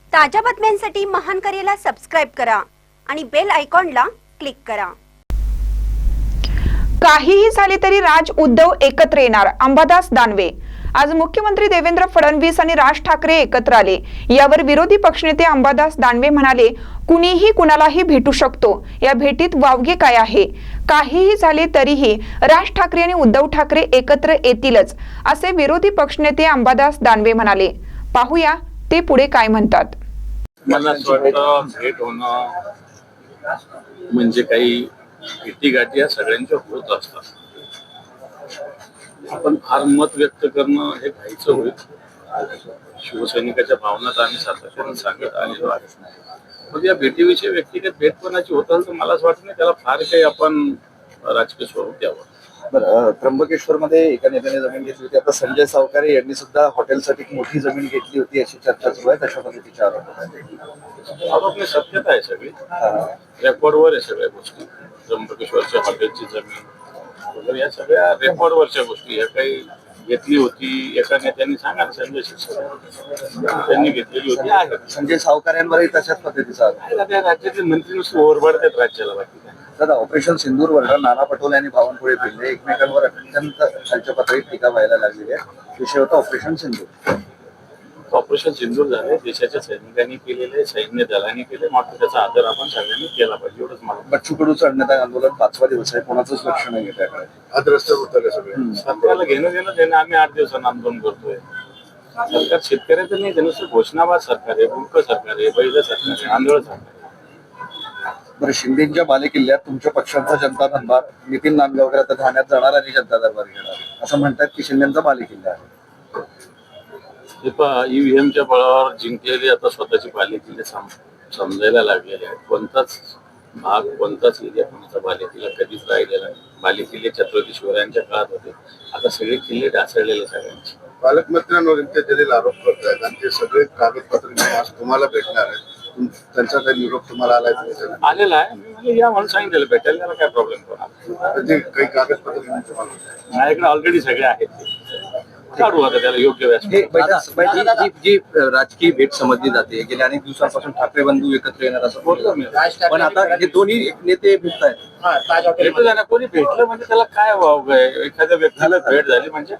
ताज्या बातम्यांसाठी महान करेला सबस्क्राइब करा आणि बेल आयकॉनला क्लिक करा। काहीही झाले तरी राज उद्धव एकत्र येणार, अंबादास दानवे। आज मुख्यमंत्री देवेंद्र फडणवीस आणि राज ठाकरे एकत्र आले। यावर विरोधी पक्षनेते अंबादास दानवे म्हणाले, कुणीही कुणालाही भेटू शकतो, या भेटीत वावगे काय आहे? काहीही झाले तरीही राज ठाकरे आणि उद्धव ठाकरे एकत्र येतीलच, असे विरोधी पक्षनेते अंबादास दानवे म्हणाले। पाहूया ते पुढे काय म्हणतात। मला वाटतं भेट होणं म्हणजे काही भेटीगाठी या सगळ्यांच्या होत असतात। आपण फार मत व्यक्त करणं हे घाईचं होईल। शिवसैनिकाच्या भावना आम्ही सातत्याने सांगत आलेलो आहे। मग या भेटीविषयी व्यक्तिगत भेटपणाची होत असेल तर मला असं वाटत नाही त्याला फार काही आपण राजकीय स्वरूप द्यावं। बरं, त्र्यंबकेश्वर मध्ये एका नेत्याने जमीन घेतली होती। आता संजय सावकारे यांनी सुद्धा हॉटेलसाठी एक मोठी जमीन घेतली होती अशी चर्चा सुरू आहे। कशा पद्धतीचे आरोप नाही, सत्यता आहे सगळी, रेकॉर्डवर आहे सगळ्या गोष्टी। त्र्यंबकेश्वरच्या हॉटेलची जमीन वगैरे या सगळ्या रेकॉर्डवरच्या गोष्टी। या काही घेतली होती एका नेत्याने सांगा ना, संजय शिरसाट त्यांनी घेतलेली होती आहे। संजय सावकारेंवरही तशाच पद्धतीचा त्या राज्याचे मंत्री नुसते ओरबडतात राज्याला, बाकी काय। दादा, ऑपरेशन सिंदूरवर नाना पटोले आणि बावनकुळे भिल्ले एकमेकांवर अत्यंत खालच्या पातळीत टीका व्हायला लागलेली आहे। विषय होता ऑपरेशन सिंदूर। ऑपरेशन सिंदूर झाले, देशाच्या सैनिकांनी केलेले, सैन्य दलांनी केले, मात्र त्याचा आदर आपण सगळ्यांनी केला पाहिजे एवढंच मला। बच्चू कडूचं अन्नदान आंदोलन 5वा दिवस आहे, कोणाचंच लक्ष नाही त्याकडे। आज रस्त्यावर उतरले सगळे। सरकारला घेणं देणं आम्ही 8 दिवसांना आंदोलन करतोय। सरकार शेतकऱ्याचं नाही, नुसतं घोषणाबाद सरकार आहे, बुडक सरकार आहे, बैल सरकार आहे, आंधळ सरकार आहे। बरं, शिंदेच्या बालेकिल्ल्यात तुमच्या पक्षाचा जनता दरबार नितीन नांदगावकर आता ठाण्यात जाणार आणि जनता दरबार घेणार असं म्हणतात की शिंदेचा बालेकिल्ला आहे। ईव्हीएमच्या बळावर जिंकलेले आता स्वतःची बालेकिल्ले समजायला लागलेले आहेत। कोणताच भाग, कोणताच एरिया कोणाचा बालेकिल्ला कधीच राहिलेला नाही। बालेकिल्ले छत्रपती शिवरायांच्या काळात होते, आता सगळे किल्ले ढासळलेले सगळ्यांचे। पालकमंत्र्यांवर इतके जलील आरोप करतायत आणि ते सगळे कागदपत्र आज तुम्हाला भेटणार आहेत। त्यांचा काही निरोप तुम्हाला आलेला आहे, मी या म्हणून सांगितलेलं भेटायला, त्याला काय प्रॉब्लेम कोणाला? काही कागदपत्र माझ्याकडे ऑलरेडी सगळे आहेत, काढू आता त्याला योग्य व्यासपीठ। जी राजकीय भेट समजली जाते, गेल्या अनेक दिवसांपासून ठाकरे बंधू एकत्र येणार असं बोलतो मी, पण आता हे दोन्ही नेते भेटत आहेत। कोणी भेटलं म्हणजे त्याला काय वाव आहे? एखाद्या व्यक्तीला भेट झाली म्हणजे